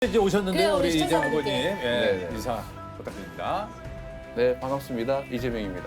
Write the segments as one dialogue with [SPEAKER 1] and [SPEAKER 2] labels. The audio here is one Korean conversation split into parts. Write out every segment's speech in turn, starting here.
[SPEAKER 1] 이제 오셨는데요,
[SPEAKER 2] 그래요, 우리
[SPEAKER 1] 우리 이재명 후보님.
[SPEAKER 2] 시청자분들께.
[SPEAKER 1] 예,
[SPEAKER 3] 네.
[SPEAKER 1] 인사 부탁드립니다.
[SPEAKER 3] 네, 반갑습니다. 이재명입니다.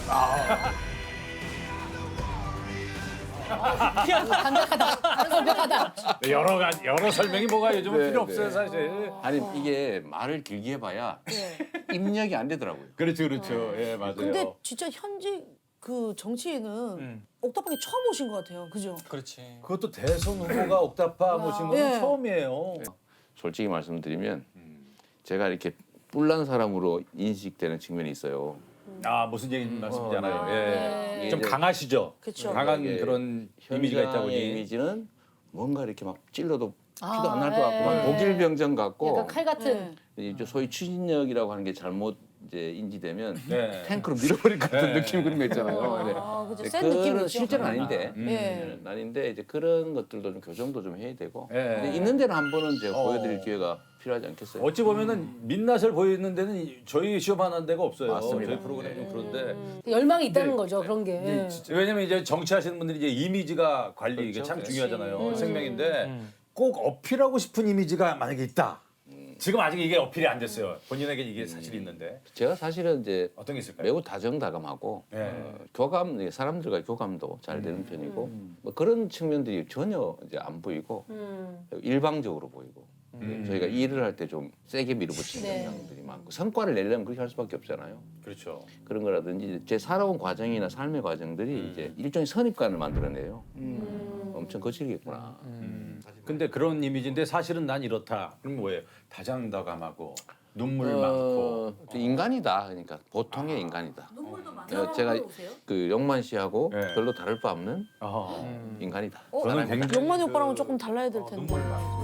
[SPEAKER 2] 담백하다. 담백하다.
[SPEAKER 1] 네, 여러 설명이 뭐가 요즘은
[SPEAKER 3] 네,
[SPEAKER 1] 필요
[SPEAKER 3] 네.
[SPEAKER 1] 없어요, 사실.
[SPEAKER 3] 아니 이게 말을 길게 해봐야
[SPEAKER 2] 네.
[SPEAKER 3] 입력이 안 되더라고요.
[SPEAKER 1] 그렇죠, 그렇죠. 예, 맞아요.
[SPEAKER 4] 근데 진짜 현직 그 정치인은 옥탑방에 처음 오신 것 같아요. 그죠?
[SPEAKER 5] 그렇지.
[SPEAKER 1] 그것도 대선 후보가 옥탑방 모신 건
[SPEAKER 4] 예.
[SPEAKER 1] 처음이에요.
[SPEAKER 3] 솔직히 말씀드리면 제가 이렇게 뿔난 사람으로 인식되는 측면이 있어요.
[SPEAKER 1] 아, 무슨 얘기 말씀이잖아요. 예.
[SPEAKER 4] 네.
[SPEAKER 1] 좀 강하시죠?
[SPEAKER 4] 그쵸.
[SPEAKER 1] 강한
[SPEAKER 3] 이게
[SPEAKER 1] 그런 이미지가 있다
[SPEAKER 3] 현장의
[SPEAKER 1] 보니.
[SPEAKER 3] 이미지는 뭔가 이렇게 막 찔러도 피도
[SPEAKER 2] 아,
[SPEAKER 3] 안 날 것 같고 막
[SPEAKER 2] 네.
[SPEAKER 3] 독일병정 같고
[SPEAKER 2] 약간 칼 같은.
[SPEAKER 3] 이제 소위 추진력이라고 하는 게 잘못 이제 인지되면
[SPEAKER 1] 네.
[SPEAKER 3] 탱크로 밀어버릴 것 같은
[SPEAKER 1] 네.
[SPEAKER 3] 느낌 그런 거 있잖아요. 네.
[SPEAKER 4] 아, 그죠.
[SPEAKER 3] 네,
[SPEAKER 4] 센 느낌이
[SPEAKER 3] 그런
[SPEAKER 4] 있죠.
[SPEAKER 3] 실제는 아닌데.
[SPEAKER 4] 예.
[SPEAKER 3] 아닌데 이제 그런 것들도 좀 교정도 좀 해야 되고
[SPEAKER 1] 예.
[SPEAKER 3] 근데 있는 데는 한 번은 제가 보여드릴 기회가 필요하지 않겠어요?
[SPEAKER 1] 어찌 보면은 민낯을 보이는 데는 저희 시험하는 데가 없어요.
[SPEAKER 3] 맞습니다.
[SPEAKER 1] 저희 프로그램 좀 그런데.
[SPEAKER 2] 열망이 있다는
[SPEAKER 1] 네.
[SPEAKER 2] 거죠, 그런 게. 예.
[SPEAKER 1] 왜냐면 이제 정치하시는 분들이 이제 이미지가 관리 이게
[SPEAKER 3] 그렇죠.
[SPEAKER 1] 참
[SPEAKER 3] 네.
[SPEAKER 1] 중요하잖아요. 생명인데 꼭 어필하고 싶은 이미지가 만약에 있다. 지금 아직 이게 어필이 안 됐어요. 본인에게 이게 사실이 있는데
[SPEAKER 3] 제가 사실은 이제
[SPEAKER 1] 어떤 게 있을까요?
[SPEAKER 3] 매우 다정다감하고
[SPEAKER 1] 네.
[SPEAKER 3] 교감 사람들과 교감도 잘 되는 편이고 뭐 그런 측면들이 전혀 이제 안 보이고 일방적으로 보이고 저희가 일을 할 때 좀 세게 밀어붙이는
[SPEAKER 2] 네.
[SPEAKER 3] 경향들이 많고 성과를 내려면 그렇게 할 수밖에 없잖아요.
[SPEAKER 1] 그렇죠.
[SPEAKER 3] 그런 거라든지 제 살아온 과정이나 삶의 과정들이 이제 일종의 선입관을 만들어내요. 엄청 거칠겠구나.
[SPEAKER 1] 근데 그런 이미지인데 사실은 난 이렇다. 그럼 뭐예요? 다정다감하고 눈물 많고.
[SPEAKER 3] 또 인간이다. 그러니까 보통의 인간이다.
[SPEAKER 4] 눈물도 많아요.
[SPEAKER 3] 제가 그 영만 씨하고
[SPEAKER 1] 네.
[SPEAKER 3] 별로 다를 바 없는
[SPEAKER 1] 어허.
[SPEAKER 3] 인간이다.
[SPEAKER 1] 저는 굉장히
[SPEAKER 4] 영만이 오빠랑은 조금 달라야 될 텐데.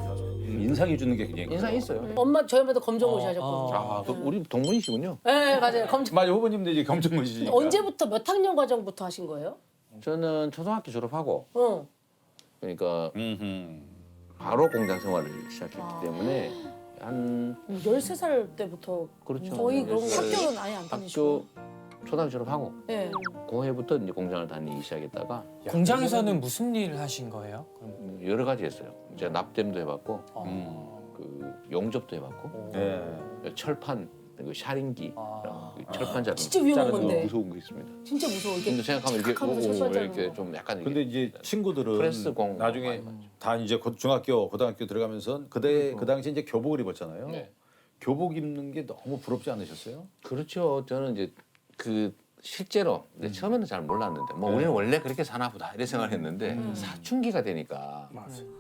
[SPEAKER 1] 인상이 주는 게 굉장히
[SPEAKER 3] 인상
[SPEAKER 1] 커요.
[SPEAKER 3] 있어요.
[SPEAKER 2] 엄마 저희 엄마도 검정고시 하셨거든요.
[SPEAKER 3] 아, 우리 동문이시군요.
[SPEAKER 2] 네, 맞아요. 검정.
[SPEAKER 1] 맞아, 후보님도 이제 검정고시니까.
[SPEAKER 2] 언제부터 몇 학년 과정부터 하신 거예요?
[SPEAKER 3] 저는 초등학교 졸업하고
[SPEAKER 2] 어.
[SPEAKER 3] 그러니까
[SPEAKER 1] 음흠.
[SPEAKER 3] 바로 공장 생활을 시작했기 때문에 한
[SPEAKER 4] 13살 때부터
[SPEAKER 3] 그렇죠.
[SPEAKER 4] 거의 그런 거
[SPEAKER 3] 그래서
[SPEAKER 4] 학교는 아예 안 다니시고.
[SPEAKER 3] 학교 초등학교 졸업하고
[SPEAKER 4] 예.
[SPEAKER 3] 고해부터 이제 공장을 다니기 시작했다가
[SPEAKER 5] 공장에서는 무슨 일을 하신 거예요? 그럼?
[SPEAKER 3] 여러 가지 했어요. 제가 납땜도 해봤고
[SPEAKER 5] 어.
[SPEAKER 3] 그 용접도 해봤고
[SPEAKER 1] 네.
[SPEAKER 3] 철판 그 샤링기
[SPEAKER 5] 아.
[SPEAKER 3] 그 철판 자르는
[SPEAKER 2] 진짜 위험한
[SPEAKER 3] 자르는 거
[SPEAKER 2] 건데.
[SPEAKER 3] 무서운 거 있습니다.
[SPEAKER 2] 진짜 무서워. 이게
[SPEAKER 3] 근데 생각하면 이렇게
[SPEAKER 2] 탁 하면서
[SPEAKER 3] 오,
[SPEAKER 2] 철판
[SPEAKER 3] 이렇게
[SPEAKER 2] 자르는
[SPEAKER 3] 좀 약간
[SPEAKER 1] 근데
[SPEAKER 3] 이게
[SPEAKER 1] 이제 친구들은
[SPEAKER 3] 프레스 공
[SPEAKER 1] 나중에
[SPEAKER 3] 많이 봤죠.
[SPEAKER 1] 다 이제 중학교, 고등학교 들어가면서 그 당시 이제 교복을 입었잖아요.
[SPEAKER 3] 네.
[SPEAKER 1] 교복 입는 게 너무 부럽지 않으셨어요?
[SPEAKER 3] 그렇죠. 저는 이제 그 실제로 근데 처음에는 잘 몰랐는데 뭐 우리는 원래 그렇게 사나 보다 이런 생각을 했는데 사춘기가 되니까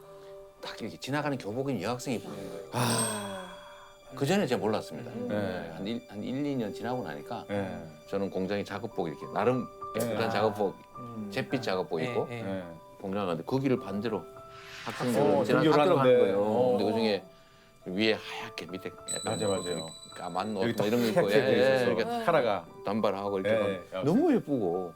[SPEAKER 3] 딱 이렇게 지나가는 교복인 여학생이 보이는 거예요. 그 전에 제가 몰랐습니다.
[SPEAKER 1] 네.
[SPEAKER 3] 한 1, 2년 지나고 나니까
[SPEAKER 1] 네.
[SPEAKER 3] 저는 공장에 작업복 이렇게 나름 예쁘단
[SPEAKER 1] 네.
[SPEAKER 3] 작업복 잿빛 작업복 입고
[SPEAKER 5] 예, 예.
[SPEAKER 1] 네.
[SPEAKER 3] 공장 가는데 그 길을 반대로
[SPEAKER 1] 어,
[SPEAKER 3] 학생들 지나
[SPEAKER 1] 등교를
[SPEAKER 3] 학교로 가는
[SPEAKER 1] 하는데.
[SPEAKER 3] 거예요.
[SPEAKER 1] 어.
[SPEAKER 3] 근데 그 중에 위에 하얗게 밑에 약간
[SPEAKER 1] 맞아요.
[SPEAKER 3] 까만 옷
[SPEAKER 1] 여기
[SPEAKER 3] 뭐 이런 거 입고
[SPEAKER 1] 이렇게 돼 있어서
[SPEAKER 3] 이렇게
[SPEAKER 1] 카라가.
[SPEAKER 3] 단발하고 이렇게
[SPEAKER 1] 예,
[SPEAKER 3] 막
[SPEAKER 1] 예.
[SPEAKER 3] 너무 예쁘고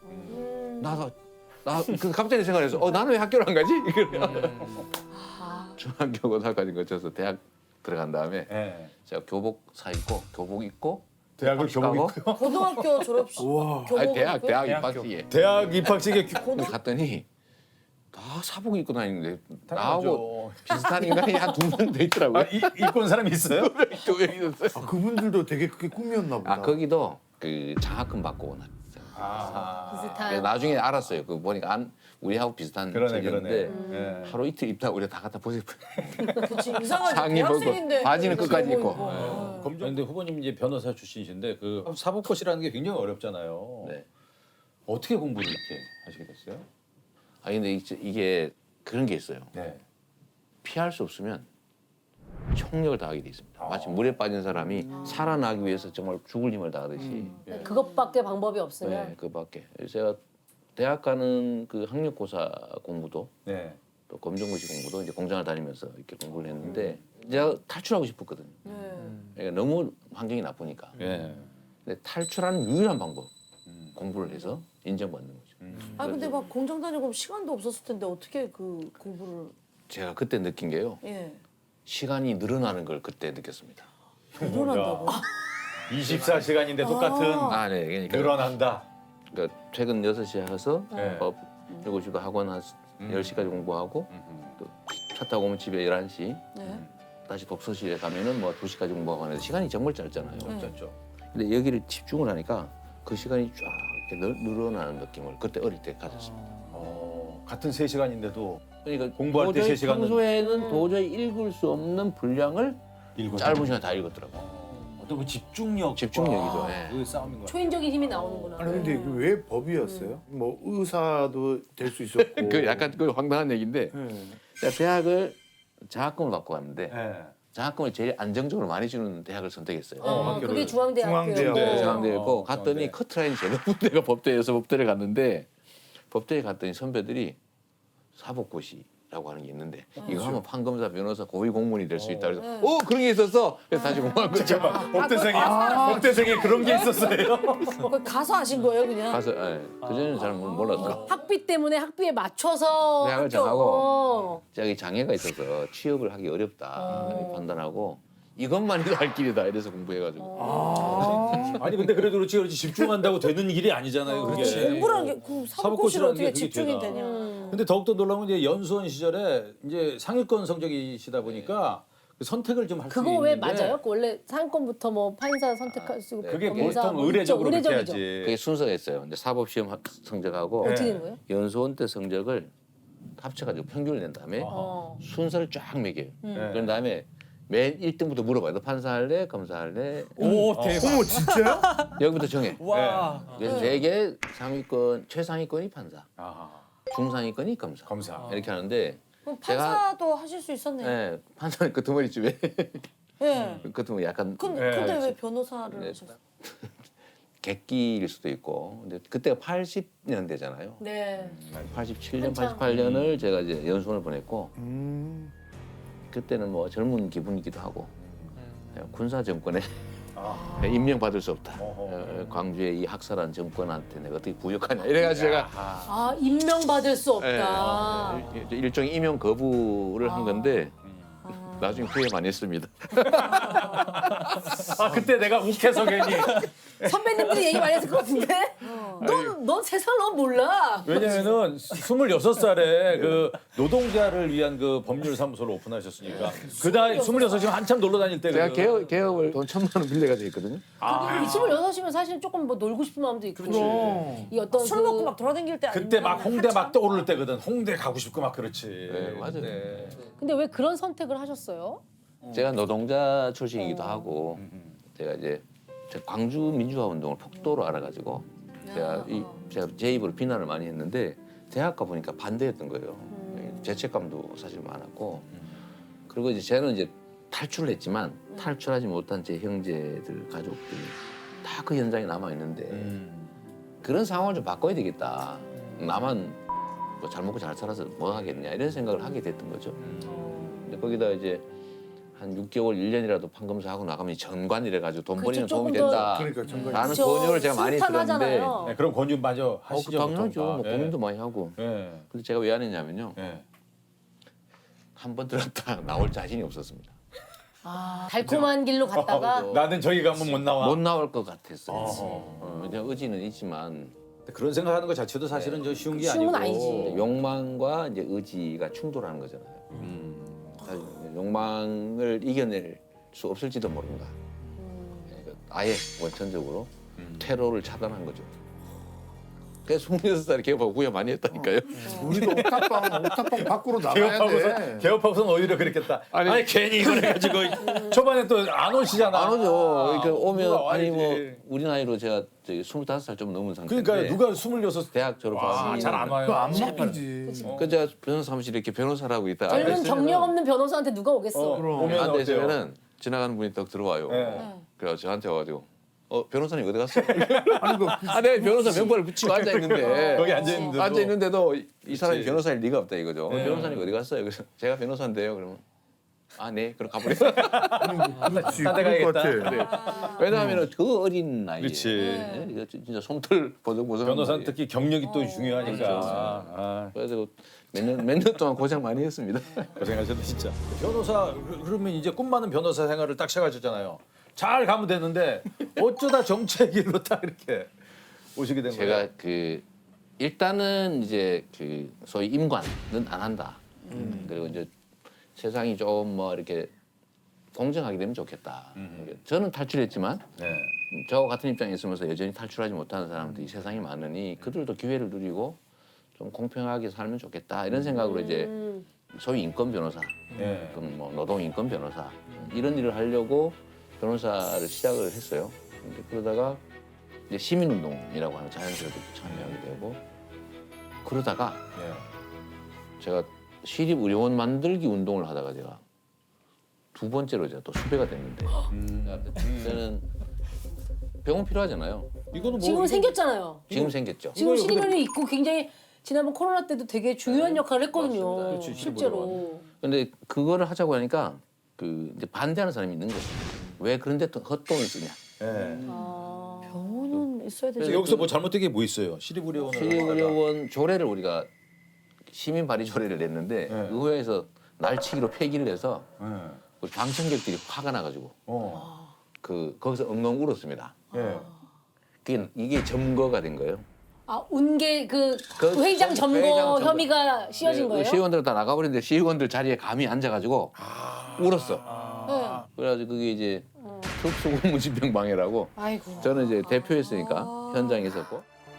[SPEAKER 3] 나그 갑자기 생각해서 나는 왜 학교를 안 가지? 이거요. 중학교 고등학교까지 거쳐서 대학 들어간 다음에
[SPEAKER 1] 네.
[SPEAKER 3] 제가 교복 사 입고 교복 입고
[SPEAKER 1] 대학을 교복
[SPEAKER 3] 가고
[SPEAKER 1] 입고요.
[SPEAKER 4] 고등학교 졸업식. 교복
[SPEAKER 3] 아니 대학
[SPEAKER 4] 입고요?
[SPEAKER 3] 입학식에
[SPEAKER 1] 대학 입학식에
[SPEAKER 3] 갔더니 다 사복 입고 다니는데
[SPEAKER 1] 당연하죠.
[SPEAKER 3] 나하고 비슷한 인간이 한 두 명 더 있더라고요.
[SPEAKER 1] 아, 입고 온 사람이 있어요?
[SPEAKER 3] 교회 있었어요.
[SPEAKER 6] 아, 그분들도 되게 그게 꿈이었나 보다.
[SPEAKER 3] 아 거기도 그 장학금 받고 온 학생.
[SPEAKER 2] 비슷한.
[SPEAKER 3] 나중에 알았어요. 그 보니까 우리하고 비슷한
[SPEAKER 1] 그러네,
[SPEAKER 3] 책이었는데
[SPEAKER 1] 그러네. 네.
[SPEAKER 3] 하루 이틀 입다 우리가 다 갖다 보세요.
[SPEAKER 4] 그치 이상하지.
[SPEAKER 3] 상의 벗고
[SPEAKER 4] 대학생인데
[SPEAKER 3] 바지는 끝까지
[SPEAKER 4] 교복
[SPEAKER 3] 입고.
[SPEAKER 1] 근데 후보님 이제 변호사 출신이신데 그 사법고시라는 게 굉장히 어렵잖아요.
[SPEAKER 3] 네.
[SPEAKER 1] 어떻게 공부를 이렇게 하시게 됐어요?
[SPEAKER 3] 아 근데 이게 그런 게 있어요.
[SPEAKER 1] 네.
[SPEAKER 3] 피할 수 없으면 총력을 다하게 돼 있습니다. 마치 물에 빠진 사람이 살아나기 위해서 정말 죽을 힘을 다하듯이
[SPEAKER 2] 그것밖에 방법이 없으면.
[SPEAKER 3] 네, 그밖에. 제가 대학 가는 그 학력고사 공부도
[SPEAKER 1] 네.
[SPEAKER 3] 또 검정고시 공부도 이제 공장을 다니면서 이렇게 공부를 했는데 제가 탈출하고 싶었거든요. 그러니까 너무 환경이 나쁘니까.
[SPEAKER 1] 네.
[SPEAKER 3] 근데 탈출하는 유일한 방법 공부를 해서 인정받는 거죠.
[SPEAKER 4] 아 근데 막 공장 다니고 시간도 없었을 텐데 어떻게 그 공부를
[SPEAKER 3] 제가 그때 느낀 게요.
[SPEAKER 4] 예.
[SPEAKER 3] 시간이 늘어나는 걸 그때 느꼈습니다.
[SPEAKER 4] 늘어난다고.
[SPEAKER 1] 24시간인데 똑같은
[SPEAKER 3] 아, 네. 그러니까,
[SPEAKER 1] 늘어난다.
[SPEAKER 3] 그러니까 퇴근 6시에 해서
[SPEAKER 1] 네.
[SPEAKER 3] 7시도 학원 한 10시까지 공부하고 또 차 타고 오면 집에 11시.
[SPEAKER 4] 네.
[SPEAKER 3] 다시 독서실에 가면은 뭐 2시까지 공부하고 하는데 시간이 정말 짧잖아요.
[SPEAKER 1] 짧죠.
[SPEAKER 3] 근데 여기를 집중을 하니까 그 시간이 쫙 이렇게 늘어나는 느낌을 그때 어릴 때 가졌습니다.
[SPEAKER 1] 같은 3시간인데도
[SPEAKER 3] 그러니까
[SPEAKER 1] 공부할 때
[SPEAKER 3] 도저히
[SPEAKER 1] 3시간은
[SPEAKER 3] 평소에는 도저히 읽을 수 없는 분량을
[SPEAKER 1] 읽어요.
[SPEAKER 3] 짧은 시간 다 읽었더라고요.
[SPEAKER 1] 어떤 그 집중력,
[SPEAKER 3] 집중력이죠, 예.
[SPEAKER 1] 그 싸움인 것 같아요.
[SPEAKER 2] 초인적인 힘이 나오는구나.
[SPEAKER 6] 아니 근데 이게 왜 법이었어요? 뭐 의사도 될 수 있었고.
[SPEAKER 3] 그 약간 그 황당한 얘기인데
[SPEAKER 6] 네.
[SPEAKER 3] 제가 대학을 장학금을 받고 갔는데
[SPEAKER 1] 예.
[SPEAKER 3] 장학금을 제일 안정적으로 많이 주는 대학을 선택했어요.
[SPEAKER 1] 학교를.
[SPEAKER 2] 그게 중앙대학교였고.
[SPEAKER 6] 중앙대학교.
[SPEAKER 3] 네, 장학대였고 갔더니
[SPEAKER 1] 중앙대.
[SPEAKER 3] 커트라인 제가 군대가 법대여서 법대를 갔는데 법대에 갔더니 선배들이 사법고시라고 하는 게 있는데 이거 하면 판검사, 변호사, 고위 공무원이 될 수 있다. 그래서 그런 게 있었어. 그래서 다시 공부한 거죠.
[SPEAKER 1] 잠깐만, 법대생에 그런 게 있었어요.
[SPEAKER 4] 거기 가서 하신 거예요 그냥?
[SPEAKER 3] 가서 그전에는 잘 몰랐어.
[SPEAKER 2] 학비 때문에 학비에 맞춰서
[SPEAKER 3] 대학을
[SPEAKER 2] 학교-
[SPEAKER 3] 정하고
[SPEAKER 2] 어.
[SPEAKER 3] 자기 장애가 있어서 취업을 하기 어렵다 이렇게 판단하고 이것만이 할 길이다 이래서 공부해가지고
[SPEAKER 1] 아니 근데 그래도 그렇지 집중한다고 되는 일이 아니잖아요. 그게.
[SPEAKER 4] 공부라는 게그 사법고시를
[SPEAKER 1] 사법고시라는
[SPEAKER 4] 어떻게
[SPEAKER 1] 게 그게
[SPEAKER 4] 집중이
[SPEAKER 1] 되나.
[SPEAKER 4] 되냐?
[SPEAKER 1] 근데 더욱더 놀라운 건 이제 연수원 시절에 이제 상위권 성적이시다 보니까 그 선택을 좀 할 수
[SPEAKER 2] 그거
[SPEAKER 1] 있는데
[SPEAKER 2] 왜 맞아요? 그 원래 상권부터 뭐 판사 선택할 수 있고
[SPEAKER 1] 그게
[SPEAKER 2] 검사
[SPEAKER 1] 보통
[SPEAKER 2] 뭐
[SPEAKER 1] 의례적으로 그렇게
[SPEAKER 2] 의례적이죠.
[SPEAKER 1] 해야지.
[SPEAKER 3] 그게 순서가 있어요. 근데 사법시험 성적하고
[SPEAKER 2] 어떻게 된 거예요?
[SPEAKER 3] 연수원 때 성적을 합쳐가지고 평균을 낸 다음에
[SPEAKER 2] 어.
[SPEAKER 3] 순서를 쫙 매겨요.
[SPEAKER 1] 네.
[SPEAKER 3] 그런 다음에 맨 1등부터 물어봐요. 너 판사할래? 검사할래?
[SPEAKER 5] 오 대박.
[SPEAKER 6] 어머 진짜요?
[SPEAKER 3] 여기부터 정해.
[SPEAKER 5] 와.
[SPEAKER 3] 그래서 되게 상위권, 최상위권이 판사,
[SPEAKER 1] 아하,
[SPEAKER 3] 중상위권이 검사.
[SPEAKER 1] 검사.
[SPEAKER 3] 이렇게 하는데
[SPEAKER 4] 그럼
[SPEAKER 3] 제가-
[SPEAKER 4] 판사도 하실 수 있었네요.
[SPEAKER 3] 네, 판사는 끄트머리쯤에
[SPEAKER 4] 예.
[SPEAKER 3] 끄트머리 약간
[SPEAKER 4] 근데 왜 변호사를
[SPEAKER 3] 네.
[SPEAKER 4] 하셨어요?
[SPEAKER 3] 객기일 수도 있고 근데 그때가 80년대잖아요.
[SPEAKER 2] 네.
[SPEAKER 3] 87년,
[SPEAKER 2] 한참.
[SPEAKER 3] 88년을 제가 이제 연수원을 보냈고
[SPEAKER 6] 음.
[SPEAKER 3] 그때는 뭐 젊은 기분이기도 하고 군사 정권에
[SPEAKER 1] 아.
[SPEAKER 3] 임명 받을 수 없다.
[SPEAKER 1] 어허.
[SPEAKER 3] 광주의 이 학살한 정권한테 내가 어떻게 부역하냐 이래가지고 제가
[SPEAKER 2] 아 임명받을 수 없다.
[SPEAKER 3] 일종의 임용 거부를 한 건데 나중에 후회 많이 했습니다.
[SPEAKER 1] 아 그때 내가 욱해서 괜히
[SPEAKER 2] 선배님들이 얘기 많이 했을 것 같은데? 넌 세상 넌 몰라.
[SPEAKER 1] 왜냐면은 26살에 그 노동자를 위한 그 법률 사무소를 오픈하셨으니까 그다음 26이면 한참 놀러 다닐 때
[SPEAKER 3] 제가
[SPEAKER 1] 그-
[SPEAKER 3] 개업을 돈 1,000만 원 빌려가지고 있거든요.
[SPEAKER 2] 이 26이면 사실 조금 뭐 놀고 싶은 마음도 있고. 이 어떤
[SPEAKER 4] 술 먹고 막 돌아다닐 때
[SPEAKER 1] 그때
[SPEAKER 4] 아니면
[SPEAKER 1] 막 홍대 막 떠오를 때거든. 홍대 가고 싶고 막 그렇지.
[SPEAKER 3] 네, 맞아요.
[SPEAKER 1] 네.
[SPEAKER 2] 근데 왜 그런 선택을 하셨어요?
[SPEAKER 3] 제가 노동자 출신이기도 하고 제가 이제 광주 민주화 운동을 폭도로 알아가지고 제가 제 입으로 비난을 많이 했는데 대학 가 보니까 반대했던 거예요. 죄책감도 사실 많았고 그리고 이제 저는 이제 탈출을 했지만 탈출하지 못한 제 형제들 가족들이 다 그 현장에 남아 있는데 그런 상황을 좀 바꿔야 되겠다. 나만 뭐 잘 먹고 잘 살아서 뭐 하겠냐 이런 생각을 하게 됐던 거죠. 근데 거기다 이제 한 6개월, 1년이라도 판검사하고 나가면 전관 이래가지고 돈
[SPEAKER 2] 그렇죠,
[SPEAKER 3] 벌이는 도움이
[SPEAKER 2] 조금 더-
[SPEAKER 3] 된다.
[SPEAKER 6] 그러니까 정말.
[SPEAKER 3] 라는
[SPEAKER 2] 그쵸,
[SPEAKER 3] 권유를 제가 많이 들었는데
[SPEAKER 2] 순탄하잖아요.
[SPEAKER 1] 네, 그럼 권유 맞아 하시죠.
[SPEAKER 3] 당연하죠.
[SPEAKER 1] 보통 다.
[SPEAKER 3] 뭐 고민도 많이 하고.
[SPEAKER 1] 예.
[SPEAKER 3] 근데 제가 왜 안 했냐면요.
[SPEAKER 1] 예.
[SPEAKER 3] 한 번 들었다 나올 자신이 없었습니다.
[SPEAKER 2] 아, 달콤한 길로 갔다가
[SPEAKER 1] 나는 저기 가면 못 나와.
[SPEAKER 3] 못 나올 것 같았어요.
[SPEAKER 1] 어허.
[SPEAKER 3] 그냥 의지는 있지만
[SPEAKER 1] 그런 생각하는 것 자체도 사실은 저 쉬운 게
[SPEAKER 2] 쉬운 건
[SPEAKER 1] 아니고.
[SPEAKER 2] 아니지.
[SPEAKER 3] 욕망과 이제 의지가 충돌하는 거잖아요. 사실 욕망을 이겨낼 수 없을지도 모른다. 그러니까 아예 원천적으로 테러를 차단한 거죠. 그래서 26살에 개업하고 후회 많이 했다니까요.
[SPEAKER 6] 우리도 옥탑방 밖으로 나가야 돼.
[SPEAKER 1] 개업하고선 오히려 그랬겠다. 아니, 괜히 이걸 해가지고 초반에 또 안 오시잖아.
[SPEAKER 3] 안 오죠. 그러니까 오면
[SPEAKER 1] 누가
[SPEAKER 3] 아니 뭐
[SPEAKER 1] 와야지.
[SPEAKER 3] 우리 나이로 제가 저기 25살 좀 넘은 상태인데
[SPEAKER 1] 그러니까 누가 26
[SPEAKER 3] 대학 졸업하고
[SPEAKER 1] 잘 안 와요.
[SPEAKER 6] 그거 안 먹히지.
[SPEAKER 3] 그 제가 변호사 사무실에 이렇게 변호사를 하고 있다
[SPEAKER 2] 젊은
[SPEAKER 3] 앉아있으면은-
[SPEAKER 2] 경력 없는 변호사한테 누가 오겠어?
[SPEAKER 1] 오면 어때요?
[SPEAKER 3] 앉아있으면은 지나가는 분이 딱 들어와요.
[SPEAKER 1] 네.
[SPEAKER 3] 그래서 저한테 와가지고 변호사님 어디 갔어?
[SPEAKER 6] 아니 그
[SPEAKER 3] 아 내가 변호사 명부를 붙이고 앉아있는데
[SPEAKER 1] 거기 앉아있는데도.
[SPEAKER 3] 앉아있는데도 이 사람이
[SPEAKER 1] 그치.
[SPEAKER 3] 변호사일 리가 없다 이거죠.
[SPEAKER 1] 네.
[SPEAKER 3] 변호사님 어디 갔어요? 그래서 제가 변호사인데요. 그러면 아 네 그럼 가버렸어.
[SPEAKER 6] 그렇지.
[SPEAKER 1] 딴데
[SPEAKER 6] 그럴 것
[SPEAKER 1] 가야겠다.
[SPEAKER 6] 같아.
[SPEAKER 3] 왜냐하면 그 어린 나이에
[SPEAKER 1] 그렇지.
[SPEAKER 3] 네, 이거 진짜 솜털 보송보송
[SPEAKER 1] 변호사는 특히 경력이 또 중요하니까.
[SPEAKER 3] 그렇죠.
[SPEAKER 1] 아,
[SPEAKER 3] 그래서 몇 년 동안 고생 많이 했습니다.
[SPEAKER 1] 고생하셨네 진짜. 변호사 그러면 이제 꿈 많은 변호사 생활을 딱 시작하셨잖아요. 잘 가면 되는데 어쩌다 정치의 길로 딱 이렇게 오시게 된 거예요.
[SPEAKER 3] 제가 그 일단은 이제 그 소위 임관은 안 한다. 그리고 이제 세상이 좀 뭐 이렇게 공정하게 되면 좋겠다. 저는 탈출했지만
[SPEAKER 1] 네.
[SPEAKER 3] 저와 같은 입장에 있으면서 여전히 탈출하지 못하는 사람들이 세상에 많으니 그들도 기회를 누리고 좀 공평하게 살면 좋겠다 이런 생각으로 이제 소위 인권 변호사,
[SPEAKER 1] 네.
[SPEAKER 3] 그럼 뭐 노동 인권 변호사 이런 일을 하려고 변호사를 시작을 했어요. 근데 그러다가 이제 시민운동이라고 하는 자연스럽게 참여하게 되고 그러다가
[SPEAKER 1] 네.
[SPEAKER 3] 제가 시립의료원 만들기 운동을 하다가 제가 두 번째로 제가 또 수배가 됐는데 저는 병원 필요하잖아요.
[SPEAKER 1] 이거는 뭐
[SPEAKER 2] 지금 생겼잖아요.
[SPEAKER 3] 지금 생겼죠.
[SPEAKER 2] 지금
[SPEAKER 1] 이거요,
[SPEAKER 2] 시립의료원이 있고 굉장히 지난번 코로나 때도 되게 중요한 역할을 했거든요.
[SPEAKER 3] 맞습니다.
[SPEAKER 1] 그렇지,
[SPEAKER 2] 실제로.
[SPEAKER 3] 근데 그거를 하자고 하니까 그 이제 반대하는 사람이 있는 거죠. 왜 그런데 또 헛돈을 쓰냐.
[SPEAKER 1] 네.
[SPEAKER 2] 아.
[SPEAKER 4] 병원은 있어야 되지.
[SPEAKER 3] 그래서
[SPEAKER 1] 여기서 뭐 잘못된 게 뭐 있어요? 시립의료원을
[SPEAKER 3] 시립의료원 조례를 우리가 시민 발의 조례를 냈는데
[SPEAKER 1] 네.
[SPEAKER 3] 의회에서 날치기로 폐기를 해서
[SPEAKER 1] 하다가.
[SPEAKER 3] 우리 방청객들이 화가 나가지고 거기서 엉엉 울었습니다.
[SPEAKER 1] 네.
[SPEAKER 3] 이게 점거가 된 거예요.
[SPEAKER 2] 아, 운계 그
[SPEAKER 3] 그
[SPEAKER 2] 회장 점거
[SPEAKER 3] 회장 점거.
[SPEAKER 2] 혐의가 씌워진 거예요?
[SPEAKER 3] 시의원들 다 나가버렸는데 시의원들 자리에 감히 앉아가지고 울었어.
[SPEAKER 2] 네.
[SPEAKER 3] 그래가지고 그게 이제 특수공무집행방해라고
[SPEAKER 2] 아이고.
[SPEAKER 3] 저는 이제 대표였으니까 현장에 있었고.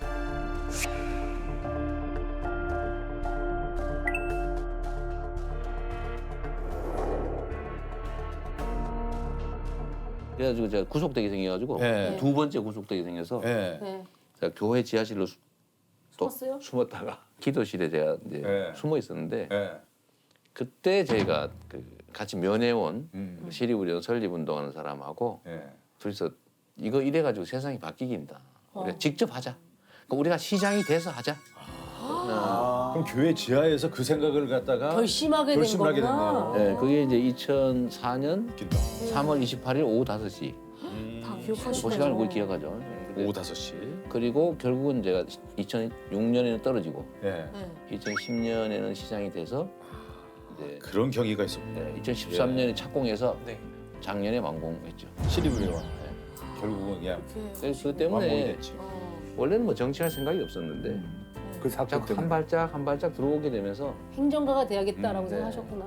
[SPEAKER 3] 그래가지고 제가 구속되게 생겨가지고
[SPEAKER 1] 네.
[SPEAKER 3] 두 번째 구속되게 생겨서
[SPEAKER 1] 네.
[SPEAKER 2] 네.
[SPEAKER 3] 제가 교회 지하실로 또
[SPEAKER 2] 숨었어요?
[SPEAKER 3] 숨었다가 기도실에 제가 이제
[SPEAKER 1] 네.
[SPEAKER 3] 숨어 있었는데
[SPEAKER 1] 네.
[SPEAKER 3] 그때 저희가 그 같이 면회온
[SPEAKER 1] 음.
[SPEAKER 3] 시립의료원 설립운동하는 사람하고
[SPEAKER 1] 네.
[SPEAKER 3] 둘이서 이거 이래가지고 세상이 바뀌긴다. 우리가 직접 하자. 그러니까 우리가 시장이 돼서 하자.
[SPEAKER 1] 그럼 교회 지하에서 그 생각을 갖다가
[SPEAKER 2] 결심하게 된
[SPEAKER 1] 결심을 하게
[SPEAKER 2] 거구나.
[SPEAKER 1] 됐네요.
[SPEAKER 3] 네, 그게 이제 2004년
[SPEAKER 1] 웃긴다.
[SPEAKER 3] 3월 28일 오후 5시.
[SPEAKER 4] 다
[SPEAKER 3] 그
[SPEAKER 4] 기억하시네요.
[SPEAKER 3] 시간을 꼭 기억하죠.
[SPEAKER 1] 오후 5시.
[SPEAKER 3] 그리고 결국은 제가 2006년에는 떨어지고
[SPEAKER 1] 네.
[SPEAKER 3] 2010년에는 시장이 돼서 이제
[SPEAKER 1] 그런 경위가 있었군요.
[SPEAKER 3] 2013년에 착공해서
[SPEAKER 5] 네.
[SPEAKER 3] 작년에 완공했죠.
[SPEAKER 1] 시립의료원. 결국은 그냥
[SPEAKER 3] 그래서 그
[SPEAKER 1] 완공이
[SPEAKER 3] 때문에
[SPEAKER 1] 됐지.
[SPEAKER 3] 원래는 뭐 정치할 생각이 없었는데
[SPEAKER 6] 그 사건
[SPEAKER 3] 자꾸 한
[SPEAKER 6] 때문에.
[SPEAKER 3] 발짝 한 발짝 들어오게 되면서
[SPEAKER 2] 행정가가 돼야겠다라고
[SPEAKER 3] 네.
[SPEAKER 2] 생각하셨구나.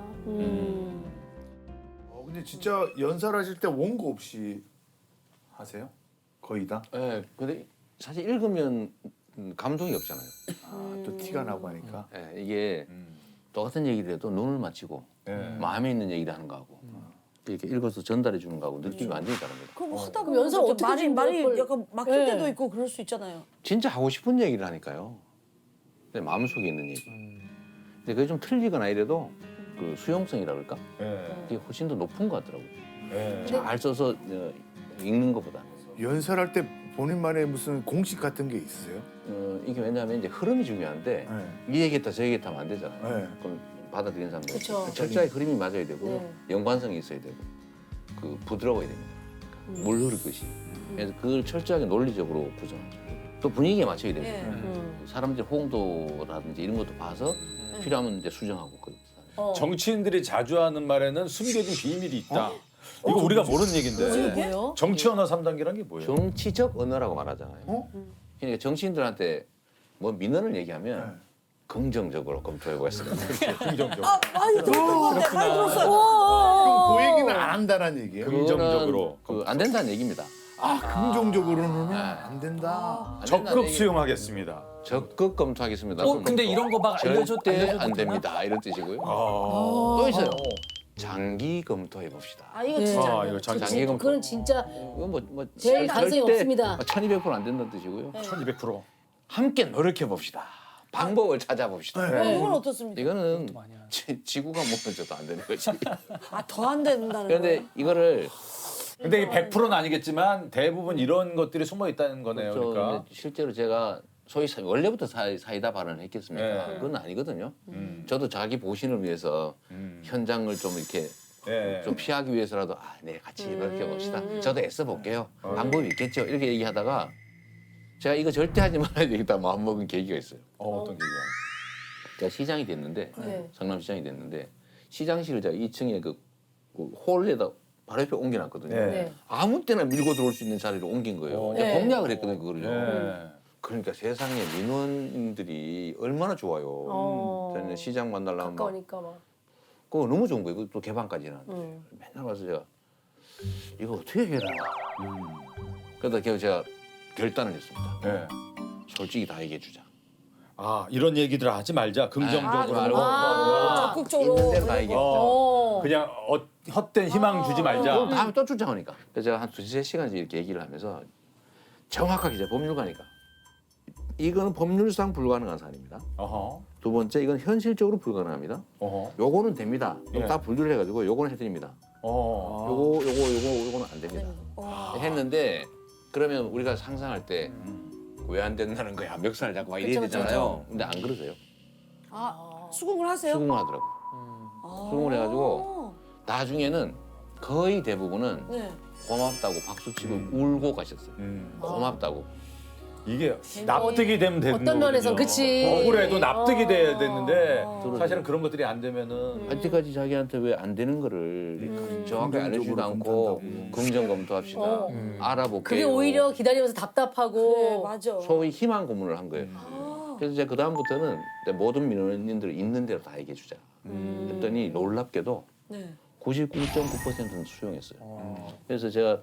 [SPEAKER 6] 근데 진짜 연설하실 때 원고 없이 하세요? 거의 다?
[SPEAKER 3] 예, 근데 사실 읽으면 감동이 없잖아요.
[SPEAKER 6] 또 티가 나고 하니까.
[SPEAKER 3] 예, 이게 똑같은 얘기를 해도 눈을 맞추고
[SPEAKER 1] 네.
[SPEAKER 3] 마음에 있는 얘기를 하는 거하고 이렇게 읽어서 전달해 주는 거하고 느낌이 완전히 다릅니다.
[SPEAKER 4] 그럼 뭐 하다
[SPEAKER 2] 그럼
[SPEAKER 4] 보면
[SPEAKER 2] 연설
[SPEAKER 4] 또
[SPEAKER 2] 어떻게
[SPEAKER 4] 말이
[SPEAKER 2] 준비할 걸-
[SPEAKER 4] 약간 막힐
[SPEAKER 2] 네.
[SPEAKER 4] 때도 있고 그럴 수 있잖아요.
[SPEAKER 3] 진짜 하고 싶은 얘기를 하니까요. 내 마음속에 있는 얘기. 근데 그게 좀 틀리거나 이래도 그 수용성이라 그럴까?
[SPEAKER 1] 네.
[SPEAKER 3] 그게 훨씬 더 높은 것 같더라고요.
[SPEAKER 1] 네.
[SPEAKER 3] 잘 써서 읽는 것보다.
[SPEAKER 6] 연설할 때 본인만의 무슨 공식 같은 게 있으세요?
[SPEAKER 3] 이게 왜냐하면 이제 흐름이 중요한데
[SPEAKER 6] 네.
[SPEAKER 3] 이 얘기했다 저 얘기했다 하면 안 되잖아요.
[SPEAKER 6] 네.
[SPEAKER 3] 그럼 받아들이는 사람들
[SPEAKER 2] 그쵸.
[SPEAKER 3] 철저하게 흐름이 맞아야 되고
[SPEAKER 2] 네.
[SPEAKER 3] 연관성이 있어야 되고 그 부드러워야 됩니다. 물 흐르듯이. 그래서 그걸 철저하게 논리적으로 구성하죠. 또 분위기에 맞춰야 됩니다.
[SPEAKER 4] 예.
[SPEAKER 3] 사람들 호응도라든지 이런 것도 봐서 필요하면 이제 수정하고 그렇죠.
[SPEAKER 1] 정치인들이 자주 하는 말에는 숨겨진 비밀이 있다. 이거 우리가 모르는 얘기인데.
[SPEAKER 2] 뭐예요?
[SPEAKER 1] 정치 언어 3단계란 게 뭐예요?
[SPEAKER 3] 정치적 언어라고 말하잖아요.
[SPEAKER 6] 어?
[SPEAKER 3] 그러니까 정치인들한테 뭐 민원을 얘기하면 긍정적으로 검토해 보겠습니다.
[SPEAKER 1] 긍정적으로.
[SPEAKER 4] 많이 들었던 것 같아. 많이 들었어요.
[SPEAKER 6] 그럼 그 얘기는 안 한다는 얘기예요?
[SPEAKER 1] 긍정적으로.
[SPEAKER 3] 안 된다는 얘기입니다.
[SPEAKER 6] 긍정적으로는 안 된다.
[SPEAKER 3] 안 된다는
[SPEAKER 1] 적극
[SPEAKER 3] 얘기.
[SPEAKER 1] 수용하겠습니다.
[SPEAKER 3] 적극 검토하겠습니다.
[SPEAKER 5] 근데 이런 거 막
[SPEAKER 3] 절대
[SPEAKER 5] 알려줘도
[SPEAKER 3] 안
[SPEAKER 5] 되나?
[SPEAKER 3] 됩니다. 이런 뜻이고요.
[SPEAKER 1] 아.
[SPEAKER 3] 또 있어요. 장기 검토해 봅시다.
[SPEAKER 4] 아 이거
[SPEAKER 2] 네.
[SPEAKER 4] 진짜.
[SPEAKER 1] 이거 장
[SPEAKER 3] 장기 검토.
[SPEAKER 2] 그건 진짜
[SPEAKER 3] 이건 뭐
[SPEAKER 2] 제일 가능성이 없습니다.
[SPEAKER 3] 1200%안 된다는 뜻이고요.
[SPEAKER 1] 1200%.
[SPEAKER 3] 함께 노력해 봅시다. 방법을 찾아봅시다.
[SPEAKER 6] 네.
[SPEAKER 4] 이건 어떻습니까?
[SPEAKER 3] 이거는
[SPEAKER 5] 많이 하죠.
[SPEAKER 3] 지구가 무너져도 안 되는 거지.
[SPEAKER 4] 더 안 된다는
[SPEAKER 3] 그런데
[SPEAKER 4] 거예요.
[SPEAKER 3] 이거를
[SPEAKER 1] 근데 이게 100%는 아니겠지만 대부분 이런 것들이 숨어 있다는 거네요.
[SPEAKER 3] 그렇죠.
[SPEAKER 1] 그러니까.
[SPEAKER 3] 근데 실제로 제가 소위 원래부터 사이다 발언을 했겠습니까?
[SPEAKER 1] 네.
[SPEAKER 3] 그건 아니거든요.
[SPEAKER 1] 음.
[SPEAKER 3] 저도 자기 보신을 위해서 현장을 좀 이렇게
[SPEAKER 1] 네.
[SPEAKER 3] 좀 피하기 위해서라도 네 같이 이렇게 봅시다. 저도 애써 볼게요. 방법이 있겠죠. 이렇게 얘기하다가 제가 이거 절대 하지 말아야 되겠다 마음 먹은 계기가 있어요.
[SPEAKER 1] 어떤 얘기야?
[SPEAKER 3] 제가 시장이 됐는데
[SPEAKER 2] 네.
[SPEAKER 3] 성남시장이 됐는데 시장실을 제가 2층에 그 홀에다 바로 옆에 옮겨놨거든요.
[SPEAKER 1] 네.
[SPEAKER 2] 네.
[SPEAKER 3] 아무 때나 밀고 들어올 수 있는 자리로 옮긴 거예요. 제가
[SPEAKER 2] 네.
[SPEAKER 3] 공략을 했거든요, 그거를요.
[SPEAKER 1] 네.
[SPEAKER 3] 그러니까 세상에 민원인들이 얼마나 좋아요. 저는 시장 만나려면 막
[SPEAKER 2] 가까우니까 막.
[SPEAKER 3] 그거 너무 좋은 거예요. 그거 또 개방까지는. 맨날 가서 제가 이거 어떻게 해라. 그러다 제가 결단을 했습니다.
[SPEAKER 1] 네.
[SPEAKER 3] 솔직히 다 얘기해 주자.
[SPEAKER 1] 아 이런 얘기들 하지 말자. 긍정적으로.
[SPEAKER 3] 말고.
[SPEAKER 4] 적극적으로.
[SPEAKER 3] 있는 대로 다 얘기해.
[SPEAKER 1] 그냥 헛된 희망 주지 말자.
[SPEAKER 3] 그럼 다음에 또 쫓아오니까. 그래서 제가 한 2-3시간씩 이렇게 얘기를 하면서 정확하게 제가 법률가니까. 이거는 법률상 불가능한 사안입니다.
[SPEAKER 1] 어허.
[SPEAKER 3] 두 번째, 이건 현실적으로 불가능합니다.
[SPEAKER 1] 어허.
[SPEAKER 3] 요거는 됩니다.
[SPEAKER 1] 예.
[SPEAKER 3] 딱 분류를 해가지고 요거는 해드립니다.
[SPEAKER 1] 어.
[SPEAKER 3] 요거는 안 됩니다. 했는데 그러면 우리가 상상할 때 왜 안 된다는 거야? 멱살을 잡고 막 이래야
[SPEAKER 2] 그쵸,
[SPEAKER 3] 되잖아요. 근데 안 그러세요.
[SPEAKER 4] 수긍을 하세요?
[SPEAKER 3] 수긍을 하더라고. 수긍을 해가지고 나중에는 거의 대부분은
[SPEAKER 4] 네.
[SPEAKER 3] 고맙다고 박수치고 울고 가셨어요.
[SPEAKER 1] 음.
[SPEAKER 3] 고맙다고.
[SPEAKER 1] 이게 납득이 되면 되는
[SPEAKER 2] 어떤 면에선
[SPEAKER 1] 거거든요.
[SPEAKER 2] 그치.
[SPEAKER 1] 억울해도 납득이 돼야 됐는데
[SPEAKER 3] 그러죠.
[SPEAKER 1] 사실은 그런 것들이 안 되면은
[SPEAKER 3] 아직까지 자기한테 왜 안 되는 거를 정확하게 알려주지도 않고 긍정 검토합시다. 알아볼게요.
[SPEAKER 2] 그게 오히려 기다리면서
[SPEAKER 4] 그래,
[SPEAKER 2] 답답하고.
[SPEAKER 4] 맞아.
[SPEAKER 3] 소위 희망 고문을 한 거예요. 그래서 이제 그 다음부터는 모든 민원인들 있는 대로 다 얘기해 주자. 했더니 놀랍게도
[SPEAKER 4] 네.
[SPEAKER 3] 99.9%는 수용했어요. 그래서 제가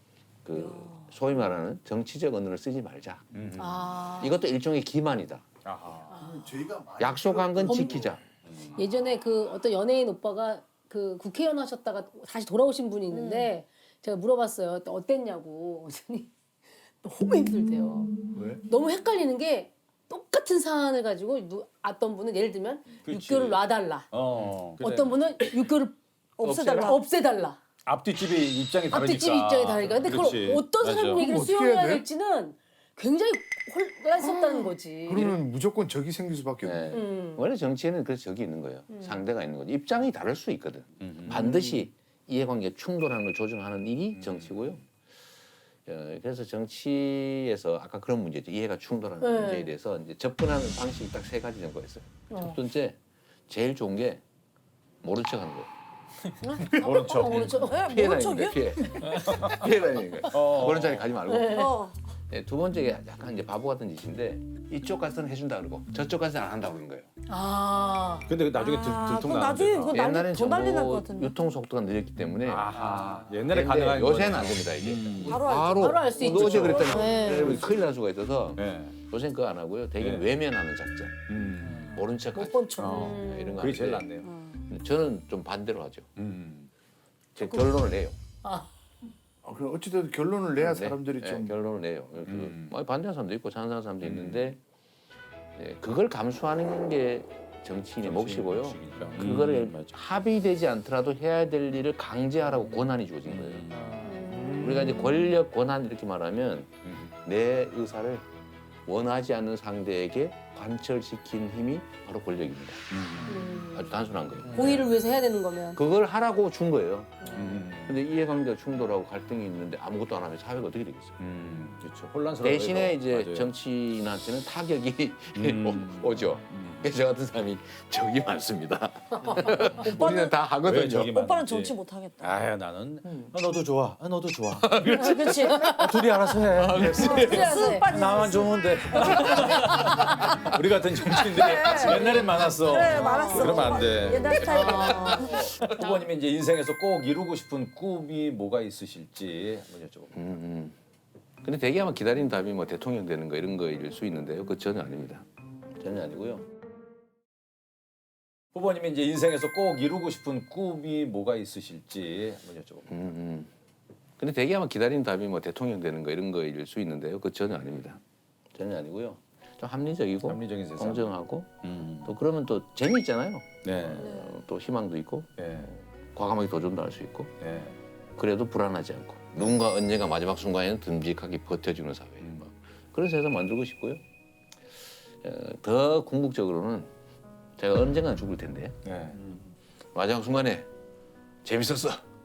[SPEAKER 3] 그 소위 말하는 정치적 언어를 쓰지 말자. 이것도 일종의 기만이다.
[SPEAKER 1] 아하.
[SPEAKER 6] 저희가 많이
[SPEAKER 3] 약속한 건 지키자.
[SPEAKER 2] 예전에 그 어떤 연예인 오빠가 그 국회의원 하셨다가 다시 돌아오신 분이 있는데 제가 물어봤어요. 어땠냐고. 그랬더니 너무 힘들대요.
[SPEAKER 1] 왜?
[SPEAKER 2] 너무 헷갈리는 게 똑같은 사안을 가지고 어떤 분은 예를 들면
[SPEAKER 1] 그렇지.
[SPEAKER 2] 6개월을 놔달라.
[SPEAKER 1] 그래.
[SPEAKER 2] 어떤 분은 6개월을
[SPEAKER 4] 없애달라.
[SPEAKER 2] 없애달라.
[SPEAKER 1] 앞뒤집이 입장이 다르니까.
[SPEAKER 2] 앞뒤집 입장이 다르니까. 근데
[SPEAKER 1] 그렇지.
[SPEAKER 2] 그걸 어떤
[SPEAKER 1] 맞아.
[SPEAKER 2] 사람 얘기를
[SPEAKER 6] 그럼 어떻게
[SPEAKER 2] 수용해야
[SPEAKER 6] 해야 돼?
[SPEAKER 2] 될지는 굉장히 혼란스럽다는 거지.
[SPEAKER 6] 그러면 무조건 적이 생길 수밖에
[SPEAKER 3] 네.
[SPEAKER 6] 없네.
[SPEAKER 3] 원래 정치에는 그래서 적이 있는 거예요. 상대가 있는 거죠. 입장이 다를 수 있거든. 반드시 이해관계 충돌하는 걸 조정하는 일이 정치고요. 그래서 정치에서 아까 그런 문제죠. 이해가 충돌하는
[SPEAKER 2] 네.
[SPEAKER 3] 문제에 대해서 이제 접근하는 방식이 딱 3가지 정도가 있어요. 첫 번째, 제일 좋은 게 모른 척하는 거예요.
[SPEAKER 1] 모른 척.
[SPEAKER 2] 모른 척.
[SPEAKER 3] 피해
[SPEAKER 4] 모른
[SPEAKER 3] 다니는
[SPEAKER 4] 척이요?
[SPEAKER 3] 거예요. 피해 다니는 거예요. 모른 척에 가지 말고.
[SPEAKER 4] 어.
[SPEAKER 3] 네, 두 번째가 약간 이제 바보 같은 짓인데 이쪽 가서는 해준다 그러고 저쪽 가서는 안 한다고 그런 거예요.
[SPEAKER 2] 아.
[SPEAKER 1] 근데 나중에
[SPEAKER 4] 그건
[SPEAKER 1] 들통나는데.
[SPEAKER 4] 나중에 그거
[SPEAKER 3] 옛날엔
[SPEAKER 4] 더 난리 날 것
[SPEAKER 3] 정보
[SPEAKER 4] 같은데.
[SPEAKER 3] 유통 속도가 느렸기 때문에
[SPEAKER 1] 아하. 옛날에
[SPEAKER 3] 근데
[SPEAKER 1] 가능한
[SPEAKER 3] 요새는
[SPEAKER 1] 거네.
[SPEAKER 3] 안 됩니다 이게.
[SPEAKER 4] 바로 알죠.
[SPEAKER 2] 바로 알수 있죠.
[SPEAKER 3] 너 어제 그랬다니
[SPEAKER 2] 네.
[SPEAKER 3] 큰일 날 수가 있어서
[SPEAKER 1] 네.
[SPEAKER 3] 요새는 그거 안 하고요. 대개
[SPEAKER 1] 네.
[SPEAKER 3] 외면하는 작전, 모른 척 하지.
[SPEAKER 2] 못본 척.
[SPEAKER 3] 이런 거
[SPEAKER 1] 그게 제일
[SPEAKER 3] 하는데
[SPEAKER 1] 낫네요.
[SPEAKER 3] 저는 좀 반대로 하죠.
[SPEAKER 1] 음.
[SPEAKER 3] 제 결론을 내요.
[SPEAKER 6] 그럼 어찌됐든 결론을 내야
[SPEAKER 3] 네,
[SPEAKER 6] 사람들이
[SPEAKER 3] 네,
[SPEAKER 6] 좀
[SPEAKER 3] 결론을 내요. 뭐 반대하는 사람도 있고 찬성하는 사람도 있는데 그걸 감수하는 게 정치인의 몫이고요. 그거를
[SPEAKER 1] 맞아.
[SPEAKER 3] 합의되지 않더라도 해야 될 일을 강제하라고 권한이 주어진 거예요. 우리가 이제 권력, 권한 이렇게 말하면 내 의사를 원하지 않는 상대에게 관철시킨 힘이 바로 권력입니다. 아주 단순한 거예요.
[SPEAKER 2] 공의를 위해서 해야 되는 거면.
[SPEAKER 3] 그걸 하라고 준 거예요. 근데 이해관계가 충돌하고 갈등이 있는데 아무것도 안 하면 사회가 어떻게 되겠어요?
[SPEAKER 1] 그렇죠. 혼란스러워.
[SPEAKER 3] 대신에 이제 정치인한테는 타격이 오죠. 그래서 저 같은 사람이 적이 많습니다. 우리는 다 하거든요.
[SPEAKER 1] 왜 적이 많-
[SPEAKER 4] 오빠는
[SPEAKER 1] 많지.
[SPEAKER 4] 정치 못 하겠다.
[SPEAKER 1] 아야 나는 너도 좋아. 너도 좋아.
[SPEAKER 4] 그렇지.
[SPEAKER 1] 둘이 알아서 해.
[SPEAKER 2] 쓱 빠지지.
[SPEAKER 1] 나만 좋으면 돼. 우리 같은 정치인들이 옛날엔 많았어.
[SPEAKER 4] 그래, 많았어.
[SPEAKER 1] 그러면 안 돼.
[SPEAKER 4] 옛날 스타일.
[SPEAKER 1] 후보님이 이제 인생에서 꼭 이루고 싶은 꿈이 뭐가 있으실지 한번 여쭤볼게요.
[SPEAKER 3] 근데 대개 아마 기다리는 답이 뭐 대통령 되는 거 이런 거일 수 있는데요. 그거 전혀 아닙니다. 전혀 아니고요.
[SPEAKER 1] 후보님이 이제 인생에서 꼭 이루고 싶은 꿈이 뭐가 있으실지 한번 여쭤볼게요.
[SPEAKER 3] 근데 대개 아마 기다리는 답이 뭐 대통령 되는 거 이런 거일 수 있는데요. 그거 전혀 아닙니다. 전혀 아니고요. 좀 합리적이고
[SPEAKER 1] 합리적인 세상.
[SPEAKER 3] 공정하고 또 그러면 또 재미있잖아요.
[SPEAKER 1] 네.
[SPEAKER 3] 또 희망도 있고
[SPEAKER 1] 네.
[SPEAKER 3] 과감하게 도전도 할 수 있고
[SPEAKER 1] 네.
[SPEAKER 3] 그래도 불안하지 않고 누군가 언젠가 마지막 순간에는 듬직하게 버텨주는 사회 뭐 그런 세상 만들고 싶고요. 더 궁극적으로는 제가 언젠가 죽을 텐데
[SPEAKER 1] 네.
[SPEAKER 3] 마지막 순간에 재밌었어.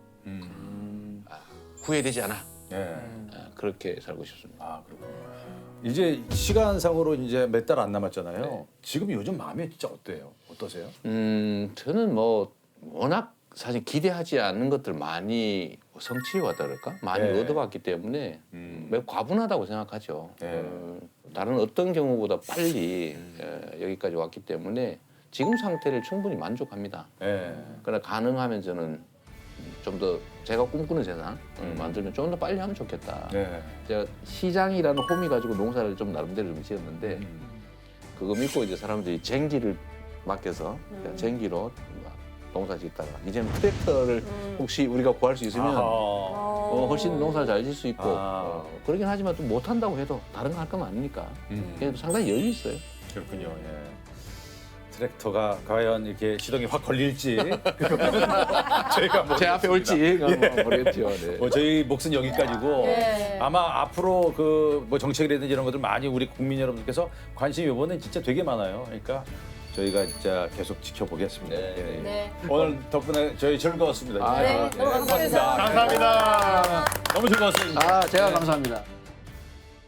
[SPEAKER 3] 후회되지 않아.
[SPEAKER 1] 네.
[SPEAKER 3] 그렇게 살고 싶습니다.
[SPEAKER 1] 아 그렇군요. 이제 시간상으로 이제 몇 달 안 남았잖아요.
[SPEAKER 3] 네.
[SPEAKER 1] 지금 요즘 마음이 진짜 어때요? 어떠세요?
[SPEAKER 3] 저는 뭐 워낙 사실 기대하지 않는 것들 많이 성취해왔다 그럴까? 많이
[SPEAKER 1] 네.
[SPEAKER 3] 얻어봤기 때문에 매우 과분하다고 생각하죠.
[SPEAKER 1] 네.
[SPEAKER 3] 다른 어떤 경우보다 빨리 여기까지 왔기 때문에 지금 상태를 충분히 만족합니다.
[SPEAKER 1] 네.
[SPEAKER 3] 그러나 가능하면 저는 좀 더 제가 꿈꾸는 세상 만들면 좀 더 빨리 하면 좋겠다.
[SPEAKER 1] 네.
[SPEAKER 3] 제가 시장이라는 홈이 가지고 농사를 좀 나름대로 좀 지었는데 그거 믿고 이제 사람들이 쟁기를 맡겨서 제가 쟁기로 농사 짓다가 이제는 트랙터를 혹시 우리가 구할 수 있으면 훨씬 농사를 잘 질 수 있고
[SPEAKER 1] 아.
[SPEAKER 3] 그러긴 하지만 또 못한다고 해도 다른 거 할 건 아니니까 그래도 상당히 여유 있어요.
[SPEAKER 1] 그렇군요. 예. 트랙터가 과연 이렇게 시동이 확 걸릴지 저희가 뭐
[SPEAKER 3] 제 앞에 올지 모르겠죠. 네.
[SPEAKER 1] 뭐 저희 몫은 여기까지고
[SPEAKER 2] 네.
[SPEAKER 1] 아마 앞으로 그 뭐 정책이라든지 이런 것들 많이 우리 국민 여러분께서 관심이 이번에 진짜 되게 많아요. 그러니까 저희가 진짜 계속 지켜보겠습니다.
[SPEAKER 3] 네.
[SPEAKER 1] 예.
[SPEAKER 2] 네.
[SPEAKER 1] 오늘 덕분에 저희 즐거웠습니다.
[SPEAKER 3] 아,
[SPEAKER 2] 네, 너무 감사합니다.
[SPEAKER 1] 감사합니다. 너무 즐거웠습니다.
[SPEAKER 3] 아, 제가 감사합니다.